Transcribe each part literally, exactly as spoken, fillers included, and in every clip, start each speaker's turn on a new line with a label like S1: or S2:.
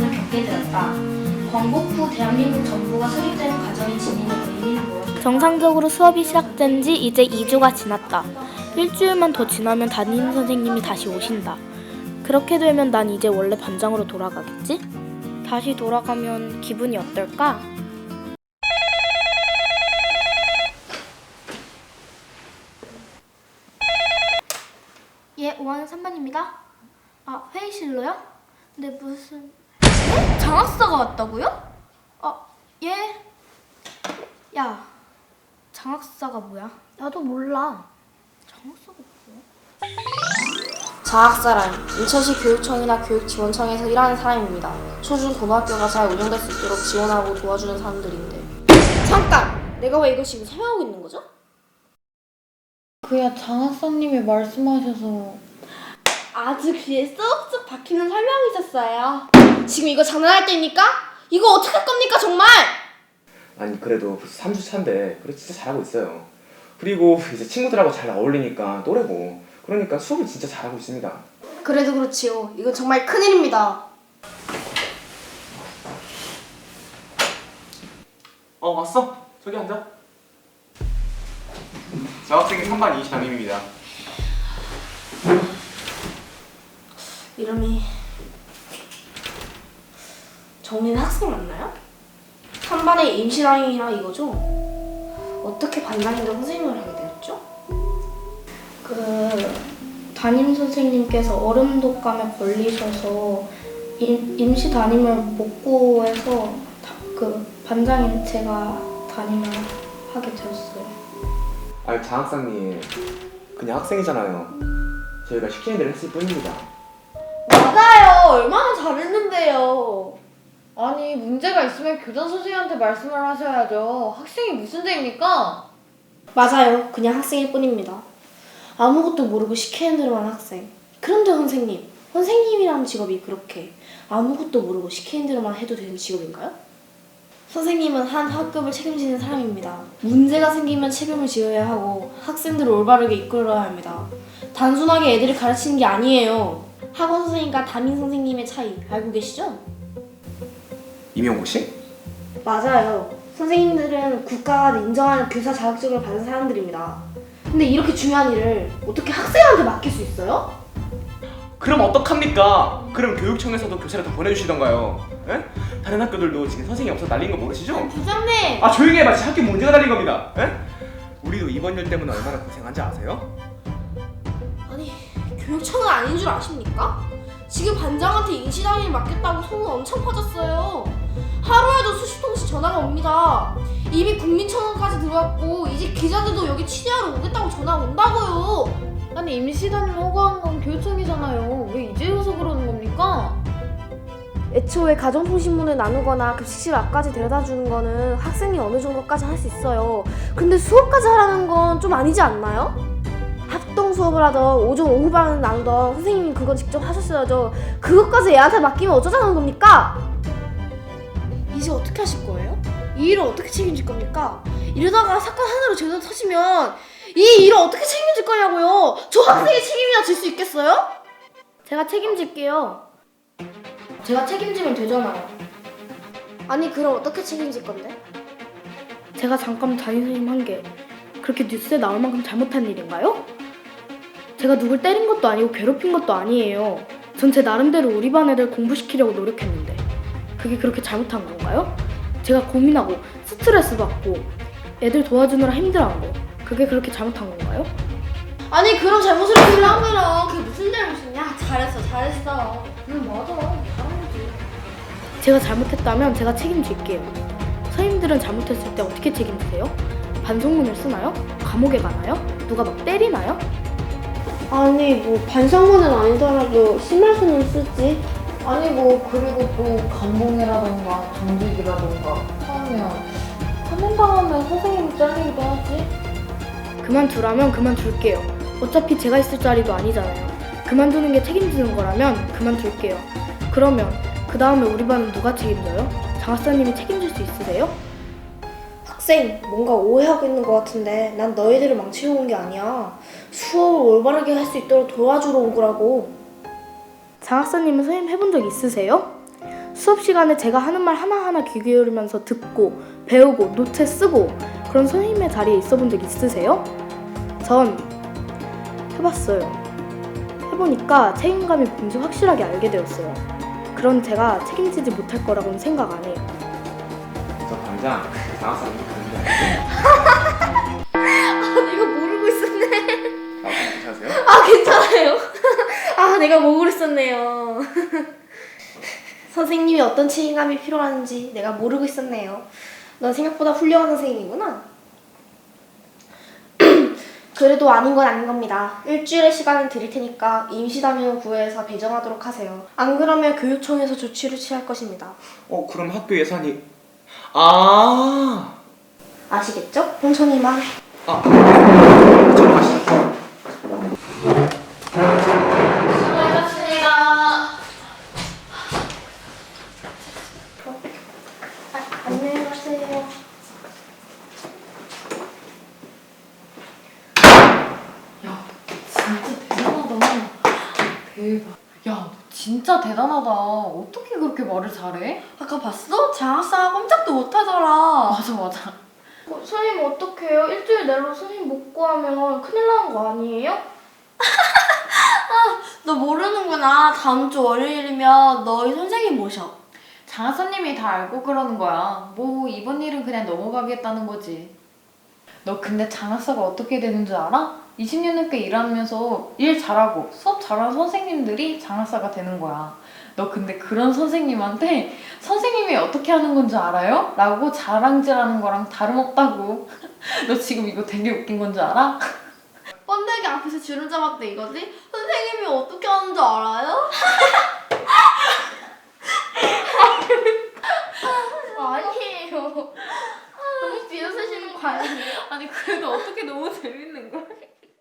S1: 어려움을 겪게 되었다. 건국 후 대한민국 정부가 수립되는 과정이 지니는 의미는 무엇일까? 정상적으로 수업이 시작된 지 이제 이 주가 지났다. 일주일만 더 지나면 담임 선생님이 다시 오신다. 그렇게 되면 난 이제 원래 반장으로 돌아가겠지? 다시 돌아가면 기분이 어떨까? 예, 오 학년 삼 반입니다. 아, 회의실로요? 근데 무슨... 네? 장학사가 왔다고요? 아, 예? 야, 장학사가 뭐야? 나도 몰라. 장학사가 뭐야?
S2: 장학사란 인천시 교육청이나 교육지원청에서 일하는 사람입니다. 초중 고등학교가 잘 운영될 수 있도록 지원하고 도와주는 사람들인데. 잠깐! 내가 왜 이걸 지금 설명하고 있는 거죠?
S3: 그야 장학사님이 말씀하셔서.
S2: 아주 귀에 쏙쏙 박히는 설명이 있었어요. 지금 이거 장난할 때입니까? 이거 어떻게 할 겁니까 정말?
S4: 아니 그래도 벌써 삼 주 차인데 그래 진짜 잘하고 있어요. 그리고 이제 친구들하고 잘 어울리니까 또래고 그러니까 수업을 진짜 잘하고 있습니다.
S2: 그래도 그렇지요. 이건 정말 큰일입니다.
S4: 어 왔어? 저기 앉아. 저 학생이 삼 반 이시 담임입니다.
S2: 이름이 정린 학생 맞나요? 삼 반의 임시담임이라 이거죠? 어떻게 반장인데 선생님을 하게 되었죠?
S1: 그 담임 선생님께서 얼음 독감에 걸리셔서 임, 임시 담임을 못 구해서 다, 그 반장인 제가 담임을 하게 되었어요.
S4: 아니 장학사님 그냥 학생이잖아요. 저희가 시키는 대로 했을 뿐입니다.
S2: 맞아요. 얼마나 잘했는데요.
S3: 아니 문제가 있으면 교장 선생님한테 말씀을 하셔야죠. 학생이 무슨 죄입니까?
S2: 맞아요. 그냥 학생일 뿐입니다. 아무것도 모르고 시키는 대로만 학생. 그런데 선생님, 선생님이라는 직업이 그렇게 아무것도 모르고 시키는 대로만 해도 되는 직업인가요? 선생님은 한 학급을 책임지는 사람입니다. 문제가 생기면 책임을 지어야 하고 학생들을 올바르게 이끌어야 합니다. 단순하게 애들을 가르치는 게 아니에요. 학원 선생님과 담임 선생님의 차이 알고 계시죠?
S4: 임용고 씨?
S2: 맞아요. 선생님들은 국가가 인정하는 교사 자격증을 받은 사람들입니다. 근데 이렇게 중요한 일을 어떻게 학생한테 맡길 수 있어요?
S4: 그럼 어떡합니까? 그럼 교육청에서도 교사를 더 보내주시던가요. 에? 다른 학교들도 지금 선생님이 없어서 난린 거 모르시죠?
S2: 부장님!
S4: 아 조용히 해봐. 지금 학교 문제가 달린 겁니다. 에? 우리도 이번 일 때문에 얼마나 고생한지 아세요?
S2: 아니, 교육청은 아닌 줄 아십니까? 지금 반장한테 임시담임을 맡겼다고 소문 엄청 퍼졌어요. 하루에도 수십 통씩 전화가 옵니다. 이미 국민청원까지 들어왔고 이제 기자들도 여기 취재하러 오겠다고 전화 온다고요.
S3: 아니 임시담임 허가한 건 교육청이잖아요. 왜 이제 와서 그러는 겁니까?
S2: 애초에 가정통신문을 나누거나 급식실 앞까지 데려다주는 거는 학생이 어느 정도까지 할 수 있어요. 근데 수업까지 하라는 건 좀 아니지 않나요? 합동 수업을 하던 오전 오후반을 나누던 선생님이 그건 직접 하셨어야죠. 그것까지 애한테 맡기면 어쩌자는 겁니까? 이제 어떻게 하실 거예요? 이 일을 어떻게 책임질 겁니까? 이러다가 사건 하나로 제대로 터지면 이 일을 어떻게 책임질 거냐고요? 저 학생의 책임이나 질 수 있겠어요?
S1: 제가 책임질게요. 제가 책임지면 되잖아요.
S2: 아니 그럼 어떻게 책임질 건데?
S1: 제가 잠깐 담임 선생님 한 게 그렇게 뉴스에 나올 만큼 잘못한 일인가요? 제가 누굴 때린 것도 아니고 괴롭힌 것도 아니에요. 전 제 나름대로 우리 반 애들 공부시키려고 노력했는데 그게 그렇게 잘못한 건가요? 제가 고민하고 스트레스 받고 애들 도와주느라 힘들어한 거 그게 그렇게 잘못한 건가요?
S2: 아니 그럼 잘못을 하면 그게 무슨 잘못이냐? 잘했어 잘했어.
S1: 응 맞아 잘한 거지. 제가 잘못했다면 제가 책임질게요. 선생님들은 잘못했을 때 어떻게 책임지세요? 반성문을 쓰나요? 감옥에 가나요? 누가 막 때리나요?
S2: 아니 뭐 반성문은 아니더라도 심할수는 쓰지.
S3: 아니 뭐 그리고 또 감봉이라던가 정직이라던가 하면 감봉당하면 선생님이 잘리기도 하지.
S1: 그만두라면 그만둘게요. 어차피 제가 있을 자리도 아니잖아요. 그만두는 게 책임지는 거라면 그만둘게요. 그러면 그 다음에 우리 반은 누가 책임져요? 장학사님이 책임질 수 있으세요?
S2: 학생 뭔가 오해하고 있는 것 같은데 난 너희들을 망치러 온 게 아니야. 수업을 올바르게 할 수 있도록 도와주러 온 거라고.
S1: 장학사님은 선생님 해본 적 있으세요? 수업 시간에 제가 하는 말 하나하나 귀 기울이면서 듣고 배우고 노트 쓰고 그런 선생님의 자리에 있어 본 적 있으세요? 전 해봤어요. 해보니까 책임감이 뭔지 확실하게 알게 되었어요. 그런 제가 책임지지 못할 거라고는 생각 안 해요.
S4: 저 당장 장학사님 가는 게 아니고
S2: 내가 모르고 있었네.
S4: 아, 괜찮으세요?
S2: 아 괜찮아요. 아 내가 모르고 있었네요. 선생님이 어떤 책임감이 필요한지 내가 모르고 있었네요. 넌 생각보다 훌륭한 선생님이구나. 그래도 아닌 건 아닌 겁니다. 일주일의 시간을 드릴 테니까 임시담임을 구해서 배정하도록 하세요. 안 그러면 교육청에서 조치를 취할 것입니다.
S4: 어 그럼 학교 예산이 아
S2: 아시겠죠? 홍천이만.
S4: 아, 네. 저로 가시죠.
S2: 안녕히 가세요.
S3: 진짜 대단하다. 대박. 야, 너 진짜 대단하다. 어떻게 그렇게 말을 잘해?
S2: 아까 봤어? 장학사 꼼짝도 못하더라.
S3: 맞아, 맞아.
S1: 어, 선생님 어떡해요? 일주일 내로 선생님 못 구하면 큰일 나는 거 아니에요?
S2: 너 모르는구나. 다음 주 월요일이면 너희 선생님 모셔.
S3: 장하사님이 다 알고 그러는 거야. 뭐 이번 일은 그냥 넘어가겠다는 거지. 너 근데 장하사가 어떻게 되는 줄 알아? 이십 년 넘게 일하면서 일 잘하고 수업 잘하는 선생님들이 장하사가 되는 거야. 너 근데 그런 선생님한테 선생님이 어떻게 하는 건 줄 알아요? 라고 자랑질하는 거랑 다름없다고. 너 지금 이거 되게 웃긴 건 줄 알아?
S2: 번데기 앞에서 주름 잡았대 이거지? 선생님이 어떻게 하는 줄 알아요?
S1: 아니에요. 너무 비웃으시는 거 아니에요?
S3: 아니 그래도 어떻게 너무 재밌는 거야?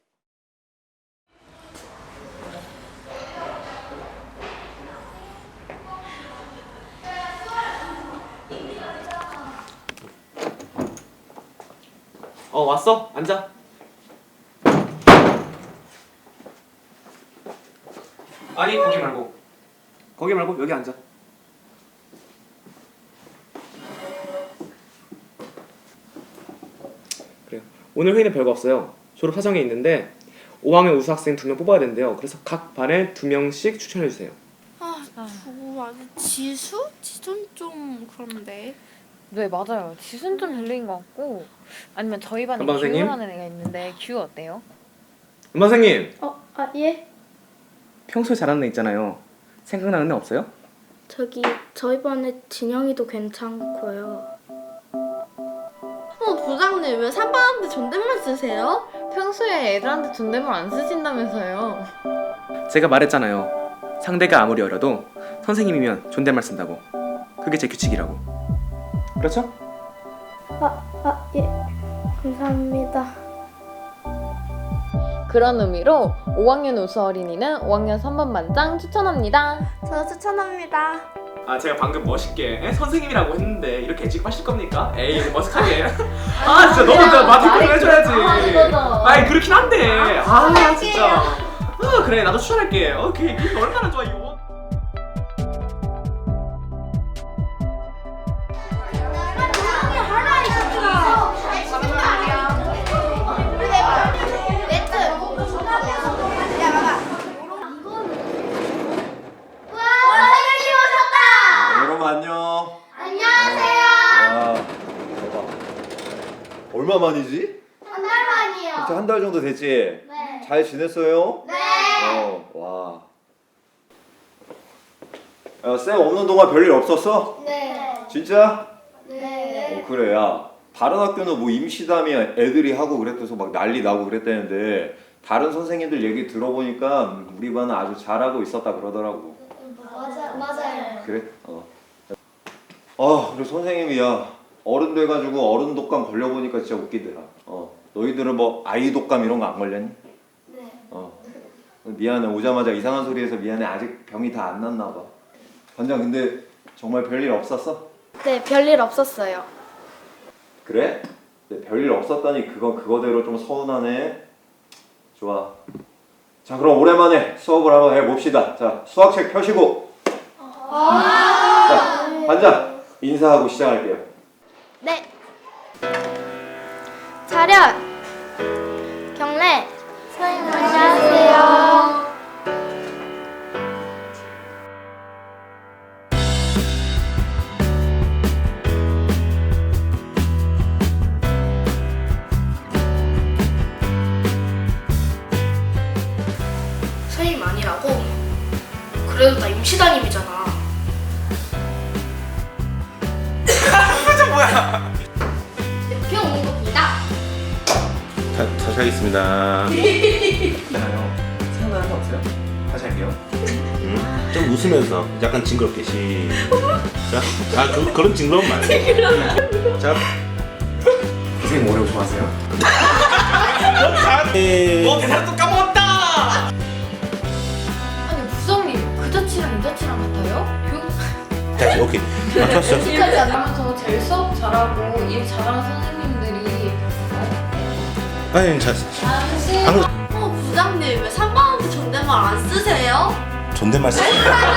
S4: 어 왔어? 앉아. 아니 거기 말고 거기 말고 여기 앉아. 그래요. 오늘 회의는 별거 없어요. 졸업 사정이 있는데 오 학년 우수 학생 두 명 뽑아야 된대요. 그래서 각 반에 두 명씩 추천해 주세요.
S2: 아, 저거 아주 지수? 지수는 좀 그런데.
S3: 네 맞아요. 지수는 좀 별로인 것 같고 아니면 저희 반에
S4: 한방 선생님?
S3: 규라는 애가 있는데 규 어때요?
S4: 음반 선생님
S1: 어, 아 예?
S4: 평소에 잘하는 애 있잖아요. 생각나는 애 없어요?
S1: 저기 저희 반에 진영이도 괜찮고요.
S2: 어, 부장님 왜 삼반한테 존댓말 쓰세요?
S3: 평소에 애들한테 존댓말 안 쓰신다면서요.
S4: 제가 말했잖아요. 상대가 아무리 어려도 선생님이면 존댓말 쓴다고. 그게 제 규칙이라고. 그렇죠?
S1: 아 예. 감사합니다.
S3: 그런 의미로 오 학년 우수 어린이는 오 학년 삼 번 반장 추천합니다.
S2: 저 추천합니다.
S4: 아 제가 방금 멋있게 에? 선생님이라고 했는데 이렇게 취급하실 겁니까? 에이 머쓱하게. 아 진짜 너무 나 마티크를 해줘야지. 아이 그렇긴 한데. 아 진짜. 아 그래 나도 추천할게. 오케이 이게 얼마나 좋아 이거.
S5: 여러분 안녕.
S6: 안녕하세요.
S5: 와 대박. 얼마 만이지?
S6: 한 달 만이요.
S5: 한 달 정도 됐지?
S6: 네.
S5: 잘 지냈어요?
S6: 네.
S5: 어, 와. 야, 쌤 없는 동안 별일 없었어?
S6: 네.
S5: 진짜?
S6: 네.
S5: 어, 그래, 야. 다른 학교는 뭐 임시담이 애들이 하고 그랬대서 막 난리 나고 그랬다는데 다른 선생님들 얘기 들어보니까 우리 반은 아주 잘하고 있었다 그러더라고.
S6: 맞아 맞아요.
S5: 그래? 어. 아, 그래 선생님이 야 어른 돼가지고 어른 독감 걸려보니까 진짜 웃기더라. 어, 너희들은 뭐 아이 독감 이런 거 안 걸렸니?
S6: 네.
S5: 어. 미안해 오자마자 이상한 소리 해서 미안해 아직 병이 다 안 났나 봐. 반장 근데 정말 별일 없었어?
S1: 네, 별일 없었어요.
S5: 그래? 근데 별일 없었다니 그건 그거대로 좀 서운하네. 좋아. 자 그럼 오랜만에 수업을 한번 해봅시다. 자 수학책 펴시고. 자 반장 인사하고 시작할게요.
S6: 네. 차렷. 경례. 선생님 안녕하세요.
S1: 선생님 아니라고? 그래도 나 임시담임이잖아.
S6: 대표 옹국입니다.
S7: 다, 다시 하겠습니다.
S4: 있잖아요. 생각나는 거 없어요? 다시 할게요.
S7: 음, 좀 웃으면서 약간 징그럽게 시작. 아 그, 그런 징그러움 말고. 자,
S4: 선생님 오레오 좋아하세요?
S7: 에...
S4: 어 대사를 또 까먹었다!
S3: 아니 부장님 그 자취랑 이 자취랑 같아요? 교...
S7: 다시 오케이. 맞췄어.
S3: 여기까지 안 하면서 제일 수업 잘하고 일 잘하는 선생님들이
S7: 아니 자,
S3: 당신
S7: 방금
S2: 어, 부장님 왜 삼 번한테 존댓말 안 쓰세요?
S7: 존댓말 쓰.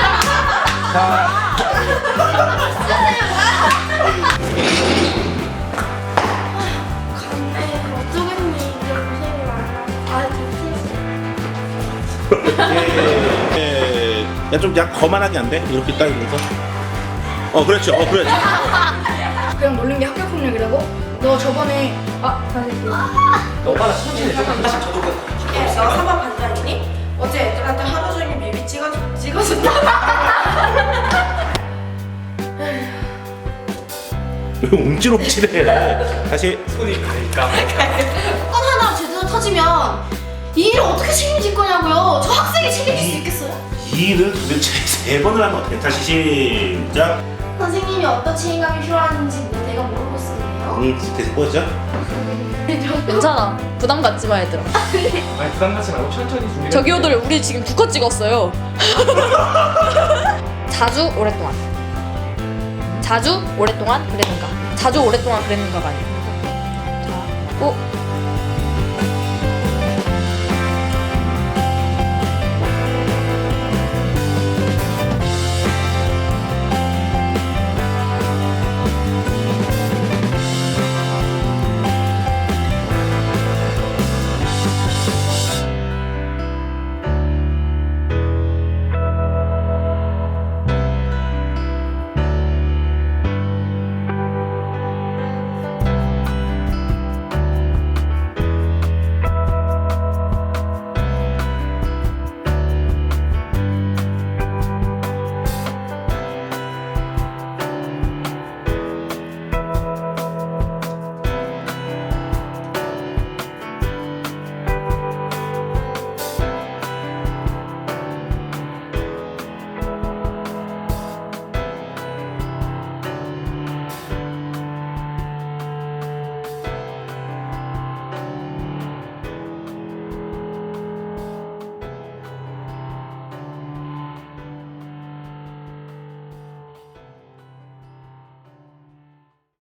S6: 어쩌겠니 이제 고생이 많아. 아 됐어.
S7: 예, 야좀 약 거만하게 안 돼? 이렇게 딱 이러면서. 어 그렇죠. 어 그래.
S1: 그냥 놀린 게 합격 폭력이라고? 너 저번에 아 다시
S4: 오빠랑 수준이 조금 다시 저도
S1: 너 사반 반장이니? 어제 애들한테 하루 종일 뮤비 찍어줘 찍어준다.
S7: 왜 움찔움찔해? 다시.
S4: 손이 가니까
S2: 건 하나 제대로 터지면 이 일을 어떻게 책임질 거냐고요? 저 학생이 책임질 수 있겠어요?
S7: 이 일을 도대체 세 번을 하면 어떻게? 다시 시작.
S2: 선생님이 어떤 책임감이 필요한지 내가 모르고 쓰네요.
S7: 응, 계속 보자.
S8: 괜찮아. 부담 갖지 마 얘들아.
S4: 아니 부담 갖지 말고 천천히 준비.
S8: 저기요들 우리 지금 두 컷 찍었어요. 자주 오랫동안. 자주 오랫동안 그랬는가? 자주 오랫동안 그랬는가가 아니고. 자, 오